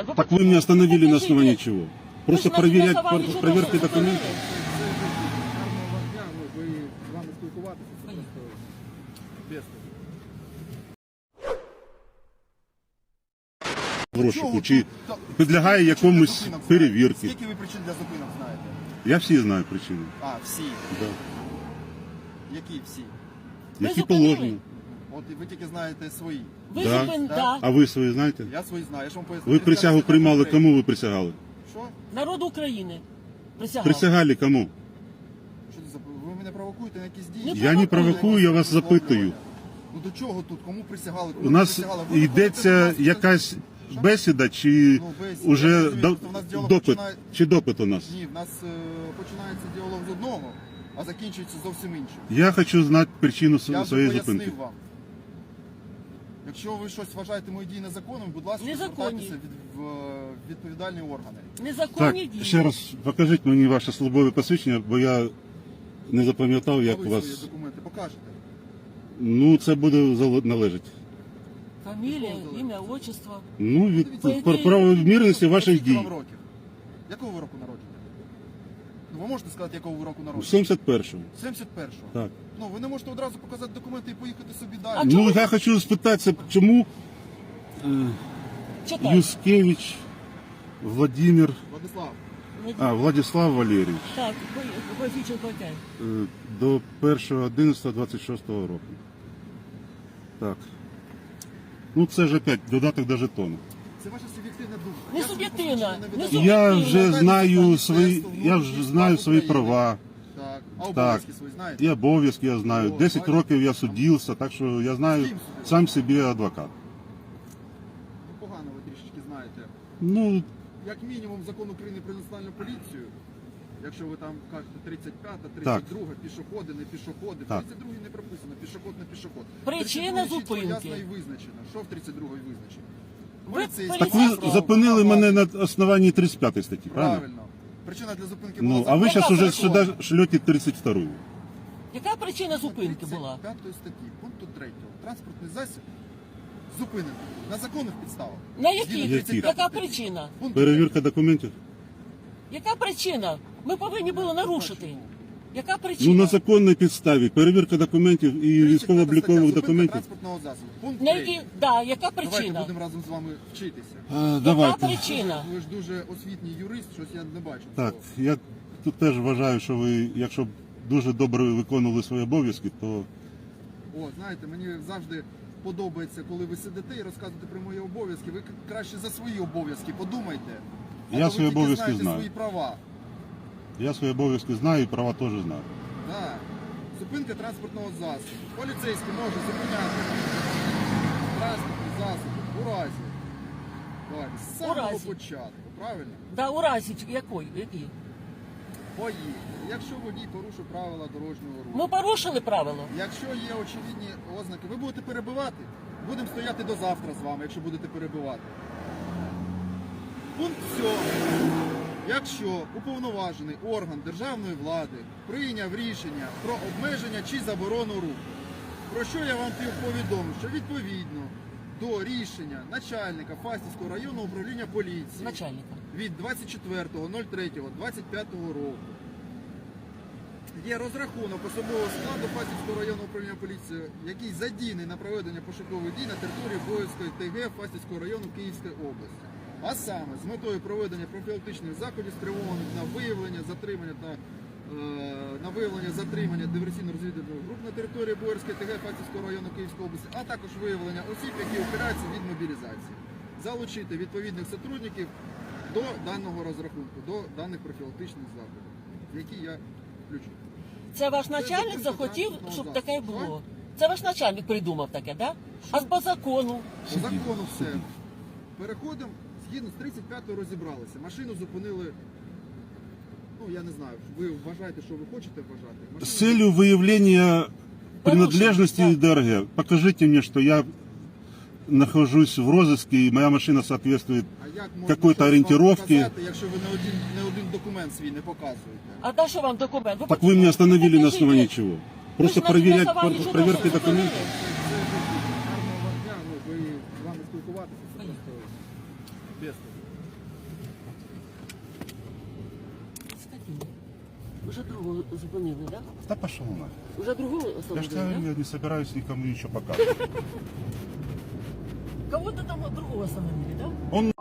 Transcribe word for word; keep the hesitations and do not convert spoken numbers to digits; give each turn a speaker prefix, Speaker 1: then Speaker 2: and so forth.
Speaker 1: Вы
Speaker 2: Так вы меня остановили на
Speaker 1: покажите.
Speaker 2: основании чего? Просто
Speaker 1: Вы же
Speaker 2: проверять,
Speaker 1: на основании чего
Speaker 2: проверки
Speaker 1: что-то
Speaker 2: документов?
Speaker 3: Гарного вам дня, ну, ви з вами спілкуватися, це просто безпечно.
Speaker 2: В розшуку,
Speaker 3: Чого
Speaker 2: чи
Speaker 3: тут-
Speaker 2: підлягає
Speaker 3: Скільки
Speaker 2: якомусь
Speaker 3: зупинок знаєте?
Speaker 2: перевірці?
Speaker 3: Скільки ви причин для зупинок знаєте?
Speaker 2: Я всі знаю причини.
Speaker 3: А, всі.
Speaker 2: Да.
Speaker 3: Які всі?
Speaker 1: Ви
Speaker 2: Які
Speaker 1: зупинили?
Speaker 2: положені.
Speaker 3: От і ви тільки знаєте свої.
Speaker 1: Ви
Speaker 2: Да.
Speaker 1: зупин...
Speaker 3: Да.
Speaker 1: да.
Speaker 2: А ви свої знаєте?
Speaker 3: Я свої знаю, я ж вам поясню.
Speaker 2: Ви присягу приймали, кому ви присягали?
Speaker 3: Що?
Speaker 1: Народ України присягав.
Speaker 2: Присягали кому?
Speaker 3: Що це за... Ви мене провокуєте на якісь дії?
Speaker 1: Не
Speaker 2: Я не провокую, я вас запитую.
Speaker 3: Ну до чого тут? Кому присягали? Кому
Speaker 2: У нас
Speaker 3: присягали? Ви
Speaker 2: йдеться
Speaker 3: виходите до нас,
Speaker 2: якась
Speaker 3: Що?
Speaker 2: бесіда, чи
Speaker 3: Ну, бесіда.
Speaker 2: уже
Speaker 3: Я розумію,
Speaker 2: до-
Speaker 3: просто в нас діалог
Speaker 2: допит,
Speaker 3: починає-
Speaker 2: чи допит у нас?
Speaker 3: Ні, в нас е, починається діалог з одного, а закінчується зовсім іншим.
Speaker 2: Я хочу знати причину
Speaker 3: Я
Speaker 2: св-
Speaker 3: вже
Speaker 2: своєї
Speaker 3: пояснив
Speaker 2: зупинки.
Speaker 3: вам. Якщо ви щось вважаєте мої дії незаконними, будь ласка,
Speaker 1: Незаконні.
Speaker 3: звертайтеся від, в е, відповідальні органи.
Speaker 2: Так,
Speaker 1: Незаконні дії.
Speaker 2: ще раз покажіть мені ваше службове посвідчення, бо я не запам'ятав, як
Speaker 3: А ви
Speaker 2: у
Speaker 3: свої
Speaker 2: вас.
Speaker 3: документи покажете.
Speaker 2: Ну, це буде зал- належить.
Speaker 1: Фамілія, ім'я, отчество.
Speaker 2: Ну, від
Speaker 3: По
Speaker 1: ідеї-
Speaker 2: пр- правомірності ваших
Speaker 3: Скільки вам
Speaker 2: дій.
Speaker 3: років? Якого ви року народження? Ну, ви можете сказати, якого ви року народження?
Speaker 2: сімдесят першого.
Speaker 3: сімдесят першого.
Speaker 2: Так.
Speaker 3: Ну, ви не можете одразу показати документи і поїхати собі далі.
Speaker 1: А
Speaker 2: Ну,
Speaker 1: чому?
Speaker 2: я хочу спитатися, чому е,
Speaker 1: Читай.
Speaker 2: Юскевич Владимир,
Speaker 3: Владислав,
Speaker 2: а, Владислав Валерійович
Speaker 1: Так, коефіцієнт платять.
Speaker 2: е, до першого одинадцятого двадцять шостого року. Так. Ну, це ж опять додаток до жетону.
Speaker 3: це ваша суб'єктивна думка.
Speaker 1: Не
Speaker 3: Я собі
Speaker 1: суб'єктивна,
Speaker 3: посвідчення
Speaker 1: не
Speaker 3: видавав.
Speaker 1: суб'єктивна.
Speaker 2: Я
Speaker 1: Ну,
Speaker 2: вже
Speaker 3: Дайте
Speaker 2: знаю
Speaker 3: мені
Speaker 2: свої,
Speaker 3: тесту
Speaker 2: я
Speaker 3: внутрішніх
Speaker 2: вже знаю
Speaker 3: справ
Speaker 2: свої
Speaker 3: України.
Speaker 2: права.
Speaker 3: Так. А обов'язки свої знаєте?
Speaker 2: І обов'язки я знаю.
Speaker 3: О,
Speaker 2: десять
Speaker 3: бачите.
Speaker 2: років я судився, так що я знаю
Speaker 3: З ким судився?
Speaker 2: сам собі адвокат.
Speaker 3: Ну, погано ви трішечки знаєте.
Speaker 2: Ну,
Speaker 3: Як мінімум закон України про національну поліцію, якщо ви там кажете тридцять п'ята, тридцять друга, пішоходи, не пішоходи. В
Speaker 2: Так.
Speaker 3: тридцять другій не прописано, пішоход, не пішоход.
Speaker 1: Причина
Speaker 3: тридцять другій чітко,
Speaker 1: зупинки.
Speaker 3: ясно і визначено. Що в тридцять другій визначено?
Speaker 1: Ви
Speaker 3: Поліцейський
Speaker 2: так
Speaker 1: поліцейський.
Speaker 2: ви зупинили мене на основанні тридцять п'ятої статті, правильно?
Speaker 3: Правильно. Причина для зупинки
Speaker 2: Ну,
Speaker 3: була
Speaker 2: а ви
Speaker 3: закон.
Speaker 2: зараз уже
Speaker 1: закон.
Speaker 2: сюди шлете тридцять вторую.
Speaker 1: Яка причина зупинки була?
Speaker 3: тридцять п'ятої статті, пункту третього. Транспортний засіб зупинений на законних підставах.
Speaker 1: На
Speaker 3: Згідно
Speaker 1: яких?
Speaker 3: тридцять п'ятої
Speaker 1: Яка
Speaker 3: статті.
Speaker 1: причина?
Speaker 3: Пункт
Speaker 2: Перевірка документів?
Speaker 1: Яка причина? Ми повинні були нарушити. Яка
Speaker 2: Ну,
Speaker 1: причина?
Speaker 2: на законній підставі. Перевірка документів і
Speaker 3: тридцять п'ята
Speaker 2: військово-облікових
Speaker 3: стаття, зупинка
Speaker 2: документів.
Speaker 3: транспортного засобу. Пункт
Speaker 1: На
Speaker 3: третій.
Speaker 1: які... Да, яка
Speaker 3: Давайте
Speaker 1: причина?
Speaker 3: будемо разом з вами вчитися.
Speaker 2: А,
Speaker 1: Яка
Speaker 2: давайте.
Speaker 1: причина?
Speaker 3: Ви ж дуже освітній юрист, щось я не бачу.
Speaker 2: Так,
Speaker 3: цього.
Speaker 2: я тут теж вважаю, що ви, якщо б дуже добре виконували свої обов'язки, то
Speaker 3: О, знаєте, мені завжди подобається, коли ви сидите і розказуєте про мої обов'язки. Ви краще за свої обов'язки подумайте. А
Speaker 2: Я
Speaker 3: то ви
Speaker 2: свої
Speaker 3: тільки
Speaker 2: обов'язки
Speaker 3: знаєте
Speaker 2: знаю.
Speaker 3: свої права.
Speaker 2: я свої обов'язки знаю і права теж знаю.
Speaker 3: Так. Зупинка транспортного засобу. Поліцейський може зупиняти транспортний засіб у разі. Давайте, з самого
Speaker 1: разі.
Speaker 3: початку, правильно?
Speaker 1: Да, у разі якої? Які?
Speaker 3: Поїхали. Якщо водій порушив правила дорожнього руху.
Speaker 1: Ми порушили правило.
Speaker 3: Якщо є очевидні ознаки, ви будете перебивати. Будемо стояти до завтра з вами, якщо будете перебивати. Пункт сьомий. Якщо уповноважений орган державної влади прийняв рішення про обмеження чи заборону руху, про що я вам повідомив, що відповідно до рішення начальника Фастівського районного управління поліції
Speaker 1: Начальника.
Speaker 3: від двадцять четвертого третього двадцять п'ятого року є розрахунок особового складу Фастівського районного управління поліції, який задійний на проведення пошукових дій на території Боївської ТГ Фастівського району Київської області. А саме з метою проведення профілактичних заходів, спрямованих на виявлення, затримання та е, на виявлення затримання диверсійно-розвідувальних груп на території Боярської ТГ Фастівського району Київської області, а також виявлення осіб, які ухиляються від мобілізації. Залучити відповідних сотрудників до даного розрахунку, до даних профілактичних заходів, які я включу.
Speaker 1: Це ваш начальник захотів, щоб таке було. Це ваш начальник придумав таке, да? А по закону?
Speaker 3: По закону все. Переходимо, згідно з тридцять п'ятою розібралися. Машину зупинили, ну я не знаю, ви вважаєте, що ви хочете вважати. Машину
Speaker 2: С целью выявления принадлежности
Speaker 1: Порушен,
Speaker 2: ДРГ, покажите мне, что я нахожусь в розыске и моя машина соответствует.
Speaker 3: А як можна
Speaker 2: какой-то
Speaker 3: щось вам
Speaker 2: ориентировки.
Speaker 3: показати, якщо ви не один, не один документ свій не показуєте?
Speaker 1: А на що вам документ? Ви
Speaker 2: Так вы меня остановили на
Speaker 1: покажіть.
Speaker 2: основании чего? Просто
Speaker 1: Ви ж на
Speaker 2: проверять
Speaker 1: основании чого
Speaker 2: проверки
Speaker 1: що
Speaker 2: документов?
Speaker 1: зупинили?
Speaker 3: Це гарного вам дня, ну ви з вами спілкуватися, це просто безпечно.
Speaker 1: Уже другого зупинили, да?
Speaker 2: Да пошел на.
Speaker 1: Уже другого
Speaker 2: Я, ж
Speaker 1: остановили,
Speaker 2: тебе-
Speaker 1: да?
Speaker 2: я не собираюсь никому ничего показывать.
Speaker 1: Кого-то там другого остановили, да?
Speaker 2: Он